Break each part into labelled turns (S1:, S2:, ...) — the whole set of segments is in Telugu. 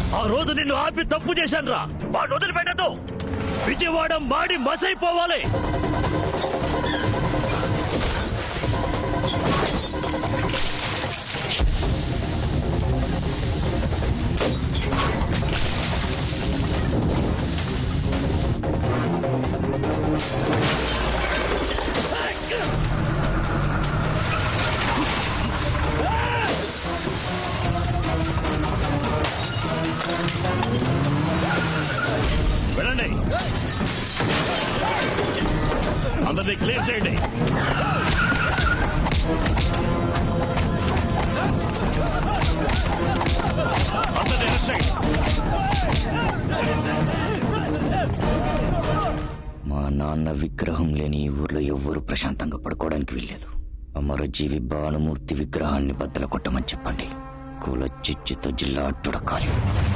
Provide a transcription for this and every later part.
S1: ఆ రోజు నిన్ను ఆపి తప్పు చేశాను రా. వాడు వదిలిపెట్టదు. విజయవాడ మాడి మసైపోవాలి. వెళ్ళండి, అందరినీ క్లియర్ చేయండి. అందరినీ అరెస్ట్ చేయండి.
S2: మా నాన్న విగ్రహం లేని ఈ ఊర్లో ఎవ్వరూ ప్రశాంతంగా పడుకోవడానికి వీల్లేదు. అమరజీవి భానుమూర్తి విగ్రహాన్ని బద్దలు కొట్టమని చెప్పండి. కుల చిచ్చుతో జిల్లా అట్టుడకాలి.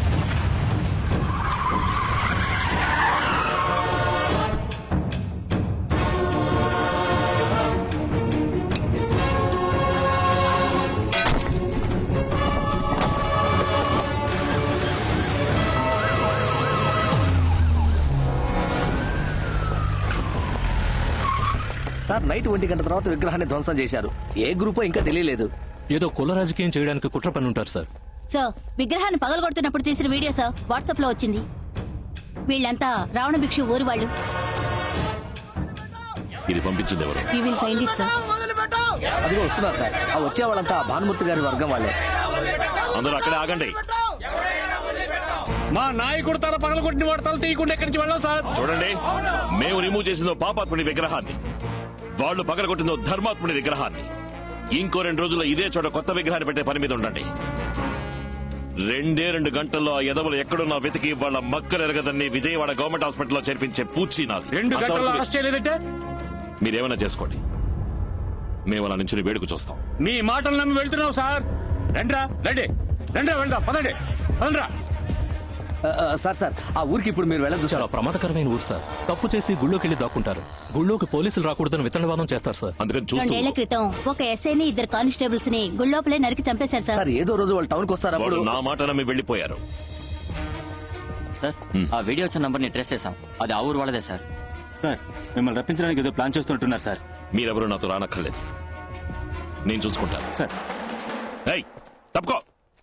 S3: సార్, నైట్ 1 గంట తర్వాత విగ్రహాన్ని ధ్వంసం చేశారు. ఏ గ్రూపో ఇంకా తెలియలేదు.
S4: ఏదో కుల రాజకీయం చేయడానికి కుట్ర పని ఉంటారు సార్.
S5: సార్, విగ్రహాన్ని పగలగొడుతున్నప్పుడు తీసిన వీడియో సార్ వాట్సాప్ లో వచ్చింది. వీళ్ళంతా రావణ భిక్షు ఊరు వాళ్ళు.
S1: ఇది పంపించింది ఎవరు?
S5: We will find it, sir.
S3: అదిగో వస్తున్నారు సార్. ఆ వచ్చే వాళ్ళంతా భానుమూర్తి గారి వర్గం వాళ్ళే.
S1: అందరూ అక్కడే ఆగండి.
S6: మా నాయకుడు తల పగలగొట్టిన వాడు తల తీయకుండా ఎక్కడి నుంచి వెళ్ళాం సార్.
S1: చూడండి, మేము రిమూవ్ చేసిందో పాపాత్ముడి విగ్రహాన్ని, వాళ్ళు పగలగొట్టిందో ధర్మాత్ముడి విగ్రహాన్ని. ఇంకో 2 రోజుల్లో ఇదే చోట కొత్త విగ్రహాన్ని పెట్టే పని మీద ఉండండి. 2 గంటల్లో ఆ ఎదవలు ఎక్కడున్నా వెతికి వాళ్ళ మక్కలు ఎరగదని విజయవాడ గవర్నమెంట్ హాస్పిటల్లో చేర్పించే పూచి నాది.
S6: 2 గంటల్లో అరెస్ట్ చేయలేదంటే
S1: మీరేమైనా చేసుకోండి, మేము అలా నుంచి వేడుకు చూస్తాం.
S6: మీ మాటలు నమ్మి వెళ్తున్నాం సార్. రండ్రా, రండి, రండ్రా, వెళ్దాం, పదండి, పదండ్రా.
S3: సార్, ఆ ఊరికి ఇప్పుడు మీరు వెళ్ళదు.
S4: చాలా ప్రమాదకరమైన ఊరు సార్. తప్పు చేసి గుళ్ళోకి వెళ్లి దాక్కుంటారు. గుళ్ళోకి పోలీసులు రాకూడదని విత్తనవాదం చేస్తారు సార్.
S1: అందుకని
S5: 2
S1: చూస్తూ
S5: ఏళ్ల క్రితం ఒక ఎస్ఐని 2 కానిస్టేబుల్స్ ని గుళ్ళోపలే నరికి చంపేశారు సార్.
S3: సార్, ఏదో రోజు వాళ్ళు టౌన్ కి వస్తారు.
S1: వాళ్ళు
S3: అప్పుడు
S1: నా మాట నమ్మి వెళ్లిపోయారు.
S7: సార్, ఆ వీడియో వచ్చిన నంబర్ ని ట్రేస్ చేశాం. అది ఆ ఊరు వాళ్ళదే సార్.
S8: సార్, మిమ్మల్ని రప్పించడానికి ఏదో ప్లాన్ చేస్తున్నట్టున్నారు సార్.
S1: మీరెవరూ నాతో రానక్కర్లేదు, నేను చూసుకుంటాను.
S8: సార్,
S1: ఏయ్, తప్పుకో.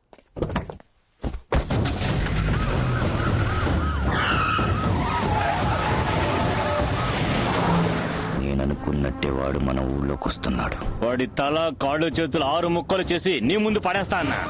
S2: నేననుకున్నట్టే వాడు మన ఊళ్ళోకి వస్తున్నాడు.
S8: వాడి తల కాళ్ళు చేతులు 6 ముక్కలు చేసి నీ ముందు పడేస్తా అన్నా.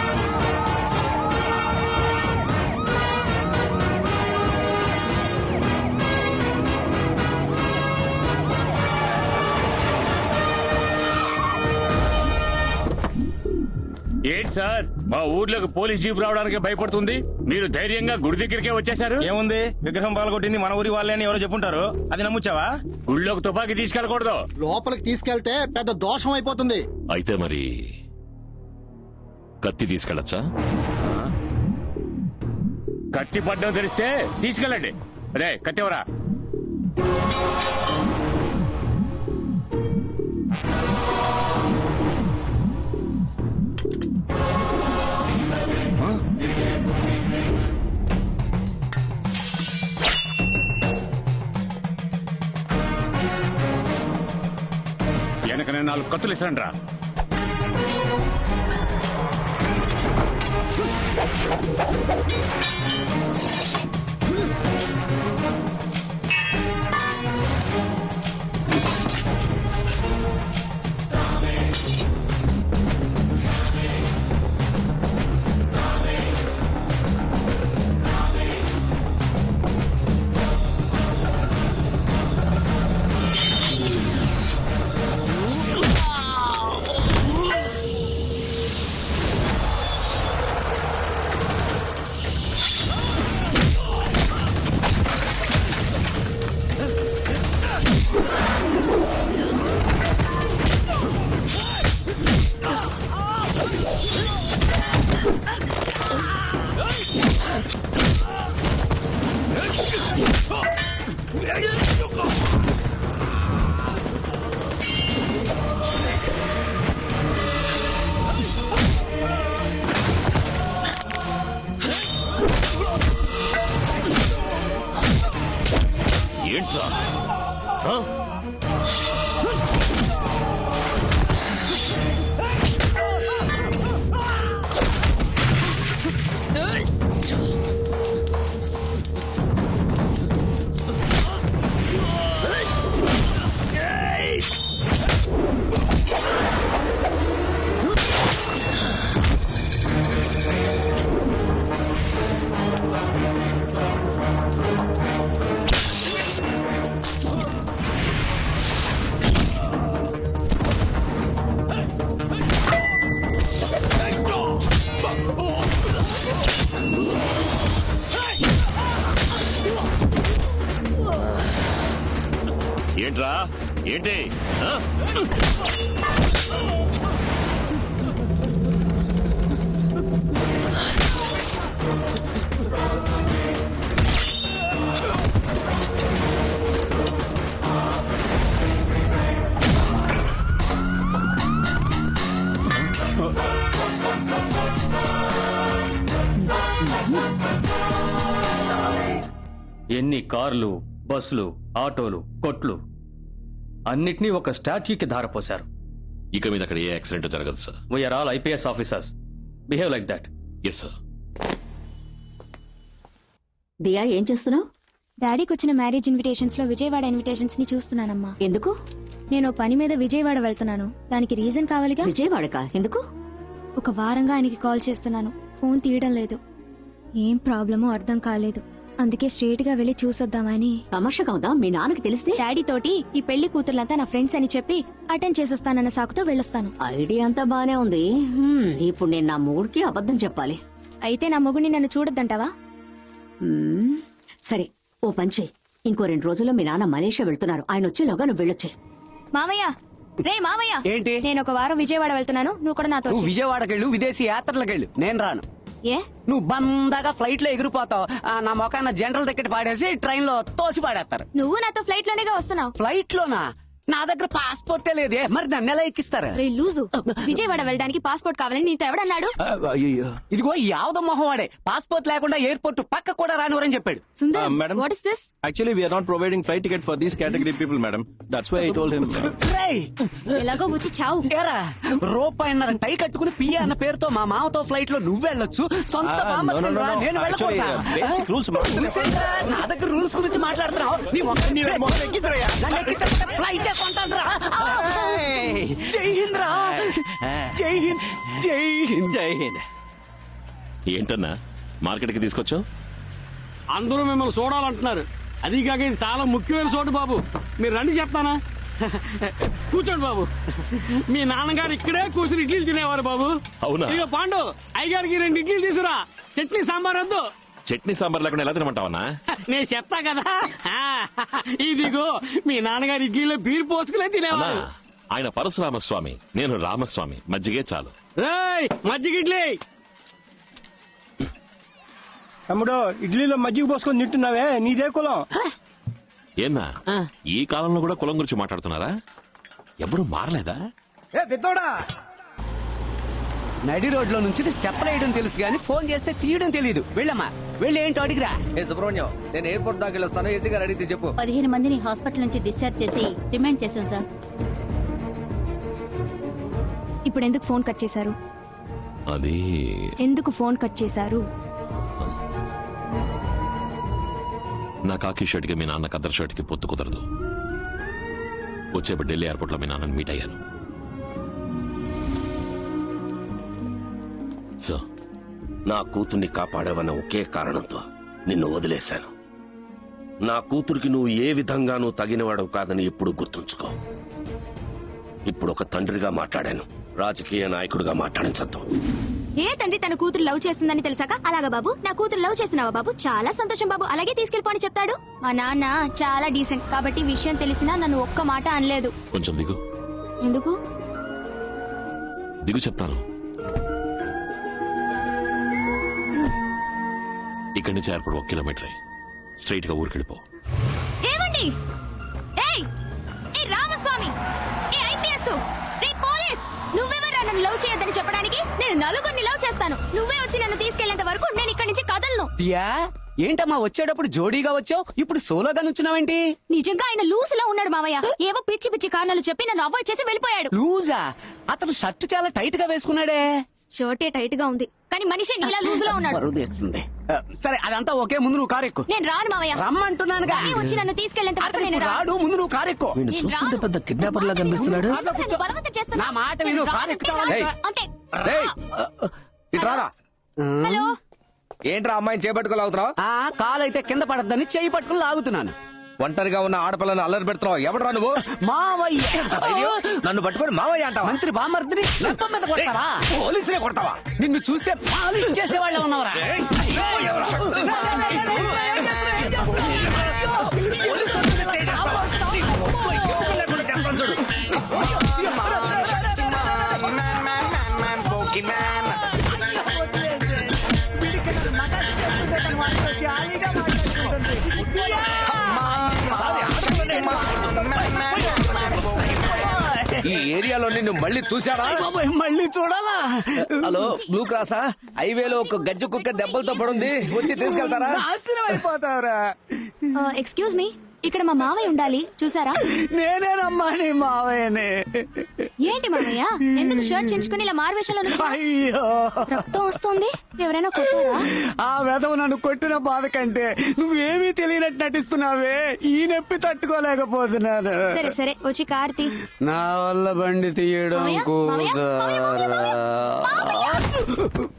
S6: ఏంటి సార్, మా ఊర్లోకి పోలీస్ జీప్ రావడానికి భయపడుతుంది, మీరు ధైర్యంగా గుడి దగ్గరికే వచ్చేసారు.
S8: ఏముంది, విగ్రహం పగలగొట్టింది మన ఊరి వాళ్ళే అని ఎవరో చెప్పుంటారు. అది నమ్ముచ్చావా?
S6: గుళ్ళోకి తుపాకీ తీసుకెళ్ళకూడదు.
S9: లోపలికి తీసుకెళ్తే పెద్ద దోషం అయిపోతుంది.
S1: అయితే మరి కత్తి తీసుకెళ్ళచ్చా?
S6: కత్తి పడ్డం తెలిస్తే తీసుకెళ్ళండి. అదే కత్తివరా. వెనకనే 4 కత్తులు ఇస్తాను రా.
S1: ఏంట్రా ఆ? ఏంట్రా ఏంటి ఆ?
S8: ఎన్ని కార్లు, బస్సులు, ఆటోలు, కొట్లు అన్నిటినీ ఒక స్టాట్యూకి ధారపోశారు.
S1: ఇక మీద అక్కడ ఏ యాక్సిడెంట్ జరగదు sir.
S8: We're all IPS officers. Behave like that.
S1: Yes sir.
S5: Diya ఏం చేస్తున్నావు?
S10: డాడీకి వచ్చిన మ్యారేజ్ ఇన్విటేషన్స్ లో విజయవాడ ఇన్విటేషన్స్ ని చూస్తున్నానమ్మా.
S5: ఎందుకు?
S10: నేను పని మీద విజయవాడ వెళ్తున్నాను. దానికి రీజన్ కావాలిగా.
S5: విజయవాడకా? ఎందుకు?
S10: ఒక వారంగా ఆయనకి కాల్ చేస్తున్నాను, ఫోన్ తీయడం లేదు. ఏం ప్రాబ్లమో అర్థం కాలేదు. అందుకే స్ట్రేట్ గా వెళ్లి చూసొద్దామని.
S5: తమాషగా ఉందా? మీ నాన్నకి తెలిస్తే?
S10: డాడీ తోటి ఈ పెళ్లి కూతుర్లంతా నా ఫ్రెండ్స్ అని చెప్పి అటెండ్ చేసొస్తానన్న సాకుతో వెళ్ళొస్తాను.
S5: ఐడియా అంతా బానే ఉంది. ఇప్పుడు నేను నా మూడుకి అబద్ధం చెప్పాలి.
S10: అయితే నా మొగుడిని నన్ను చూడొద్దంటావా?
S5: సరే, ఓ పంచే. ఇంకో 2 రోజుల్లో మీ నాన్న మలేషియా వెళ్తున్నారు. ఆయన వచ్చేలోగా నువ్వు వెళ్ళొచ్చే.
S10: మావయ్య, రే మావయ్య.
S3: ఏంటి?
S10: నేను ఒక వారం విజయవాడ వెళ్తున్నాను, నువ్వు కూడా నాతో వచ్చేయ్.
S3: విజయవాడకెళ్ళు, విదేశీ యాత్రలకెళ్ళు, నేను రాను.
S10: ఏ?
S3: నువ్వు బందాగా ఫ్లైట్ లో ఎగిరిపోతావు. నా మొఖాన జనరల్ టికెట్ పాడేసి ట్రైన్ లో తోసి పాడేస్తారు.
S10: నువ్వు నాతో ఫ్లైట్ లోనేగా వస్తున్నావు.
S3: ఫ్లైట్ లోనా? నా దగ్గర పాస్పోర్టే లేదే, మరి నన్ను ఎలా ఎక్కిస్తారు?
S10: రే లూజు, విజయవాడ వెళ్ళడానికి పాస్పోర్ట్ కావాలని నీతో ఎవడన్నాడు?
S3: ఇదిగో యావద మొహం వాడే పాస్పోర్ట్ లేకుండా ఎయిర్పోర్ట్ పక్క కూడా రానివరని చెప్పాడు.
S10: Sundar,
S11: madam.
S10: What is this?
S11: Actually, we are not providing flight ticket for these category people, madam. That's why I told him.
S3: రేయ్,
S10: ఎలాగో వచ్చి చావు.
S3: ఏరా, రూపాయన్నర టై కట్టుకుని పియ్య అన్న పేరుతో మా మామతో ఫ్లైట్ లో నువ్వు వెళ్ళొచ్చు, సొంత
S11: no, no. Actually, basic rules, madam.
S3: నా దగ్గర రూల్స్ గురించి మాట్లాడుతున్నావు. నీ మొహం నన్ను ఎక్కించకపోతే ఫ్లైట్ కొంటానురా. జై హింద్ రా. జై హింద్, జై హింద్, జై హింద్.
S1: ఏంటన్నా మార్కెట్కి తీసుకొచ్చావు?
S6: అందరూ మిమ్మల్ని చూడాలంటున్నారు. అది కాక ఇది చాలా ముఖ్యమైన చోటు బాబు. మీరు రండి చెప్తానా? కూర్చోండి బాబు. మీ నాన్నగారు ఇక్కడే కూర్చుని ఇడ్లీలు తినేవారు బాబు.
S1: అవునా?
S6: ఇక పాండు అయ్యగారికి 2 ఇడ్లీలు తీసురా. చట్నీ సాంబార్ వద్దు.
S1: చట్నీ సాంబార్ లేకుండా ఎలా తినమంటావన్నా?
S6: నేను చెప్తా కదా. ఇదిగో మీ నాన్నగారు ఇడ్లీలో బీర్ పోసుకునే
S1: అన్నా,
S6: తినేవారు.
S1: ఆయన పరశురామస్వామి, నేను రామస్వామి. మజ్జిగే చాలు.
S6: రేయ్, మజ్జిగ ఇడ్లీ.
S11: తమ్ముడు, ఇడ్లీలో మజ్జిగ పోసుకొని తింటున్నావే, నీదే కులం.
S1: ఏన్నా ఈ కాలంలో కూడా కులం గురించి మాట్లాడుతున్నారా? ఎవరు మారలేదా?
S3: ఏ పెద్దోడా, నడి రోడ్లో నుంచి స్టెప్ వేయడం తెలుసు గానీ ఫోన్ చేస్తే తీయడం తెలియదు. వెళ్ళమ్మా, వెళ్ళి ఏంటో అడిగిరా. ఏ సుబ్రహ్మణ్యం, నేను ఎయిర్పోర్ట్ దాకా వెళ్ళొస్తాను. ఏసీ గారు అడిగితే చెప్పు.
S5: 15 మందిని హాస్పిటల్ నుంచి డిశ్చార్జ్ చేసి రిమాండ్ చేశాం సార్.
S10: ఇప్పుడు ఎందుకు ఫోన్ కట్ చేశారు?
S1: అది
S10: ఎందుకు ఫోన్ కట్ చేశారు?
S1: నా కాకి షర్ట్ కి మీ నాన్న కద్దర్ షర్ట్ కి పొత్తు కుదరదు. వచ్చేప్పుడు ఢిల్లీ ఎయిర్పోర్ట్ లో మీ నాన్నని మీట్ అయ్యాను. సో
S12: నా కూతుర్ని కాపాడావన్న ఒకే కారణంతో నిన్ను వదిలేశాను. నా కూతురికి నువ్వు ఏ విధంగానూ తగినవాడవు కాదని ఎప్పుడు గుర్తుంచుకో. ఇప్పుడు ఒక తండ్రిగా మాట్లాడాను, రాజకీయ నాయకుడిగా మాట్లాడించద్దు.
S10: ఏ తండ్రి తన కూతురు లవ్ చేస్తుందని తెలిసాక అలాగా బాబు, నా కూతురు లవ్ చేస్తున్నావా బాబు, చాలా సంతోషం బాబు, అలాగే తీసుకెళ్ళిపోని చెప్తాడు. మా నాన్న చాలా డీసెంట్ కాబట్టి విషయం తెలిసినా నన్ను ఒక్క మాట అనలేదు.
S1: కొంచెం దిగు.
S10: ఎందుకు
S1: దిగు చెప్తాను. ఇక్కడి నుంచి ఎయిర్పోర్ట్ 1 కిలోమీటరే. స్ట్రైట్ గా ఊరికెళ్ళిపో.
S10: ఏమండి? ఏయ్, ఏ రామస్వామి, ఏ ఐపీఎస్, రే పోలీస్, నువ్వెవరా నన్ను లవ్ చేయొద్దని చెప్పడానికి? నేను 4 లవ్ చేస్తాను. నువ్వే వచ్చి నన్ను తీసుకెళ్లేంత వరకు నేను ఇక్కడి నుంచి కదలను.
S3: దియా ఏంటమ్మా వచ్చేటప్పుడు జోడీగా వచ్చావు ఇప్పుడు సోలోగా నుంచున్నావేంటి?
S10: నిజంగా ఆయన లూజ్ లో ఉన్నాడు మావయ్య. ఏవో పిచ్చి పిచ్చి కారణాలు చెప్పి నన్ను అవాయిడ్ చేసి వెళ్ళిపోయాడు.
S3: లూజా? అతను షర్ట్ చాలా టైట్ గా వేసుకున్నాడే.
S10: షర్టే టైట్ గా ఉంది కానీ మనిషి నీలా లూజ్ లో ఉన్నాడు.
S3: బరువు తీస్తుంది. సరే అదంతా ఓకే, ముందు నువ్వు కారెక్కు.
S10: నేను రాను మావయ్య.
S3: రమ్మంటున్నానుగా.
S10: కానీ వచ్చి నన్ను తీసుకెళ్ళేంత వరకు
S3: అతను
S10: నేను రాను.
S3: రాడు, ముందు నువ్వు కారెక్కు.
S10: నేను
S3: చూస్తుంటే
S10: రాను.
S3: పెద్ద కిడ్నాపర్ లా కనిపిస్తున్నాడు.
S10: నన్ను బలవంతం చేస్తున్నావు.
S3: నా మాట విను,
S10: నేను రాను
S3: కారు
S10: అంటే
S3: ఎక్కుతావా?
S10: రాను.
S3: ఏయ్.
S10: అంతే.
S8: ఇట్రారా
S10: హలో
S8: ఏంట్రా అమ్మాయిని చేపట్టుకోలాగుతున్నావు?
S3: కాలైతే కింద పడద్దని చేయి పట్టుకుని లాగుతున్నాను.
S8: ఒంటరిగా ఉన్న ఆడపిల్లని అల్లరి పెడుతున్నావు. ఎవడరా నువ్వు?
S3: మావయ్య.
S8: నన్ను పట్టుకొని మావయ్య అంటావా?
S3: మంత్రి బామర్దిని లంపం మీద కొడతావా?
S8: పోలీసులే కొడతావా?
S3: నిన్ను చూస్తే పాలిష్ చేసేవాళ్ళ ఉన్నవరా?
S8: ఈ ఏరియాలో నిన్ను మళ్ళీ చూసారా?
S3: మళ్ళీ చూడాలా?
S8: హలో, బ్లూ క్రాసా? హైవేలో ఒక గజ్జు కుక్క దెబ్బలతో పడుంది, వచ్చి తీసుకెళ్తారా?
S3: నాశనం అయిపోతావురా.
S10: ఎక్స్క్యూజ్ మీ, ఇక్కడ మా మావయ్య ఉండాలి, చూసారా?
S3: నేనేనమ్మా నీ మావయ్యనే.
S10: ఏంటి మావయ్య ఎందుకు షర్ట్ చించుకుని ఇలా మారువేషంలో నుంచున్నావు?
S3: అయ్యో,
S10: రక్తం వస్తుంది. ఎవరైనా కొట్టారా?
S3: ఆ వెధవ నన్ను కొట్టిన బాధ కంటే నువ్వేమీ తెలియనట్టు నటిస్తున్నావే, ఈ నొప్పి తట్టుకోలేకపోతున్నాను.
S10: సరే సరే వచ్చి కార్తీ.
S3: నా వల్ల బండి తీయడం
S10: మావయ్య, మావయ్య, మావయ్య, మావయ్య, మావయ్య.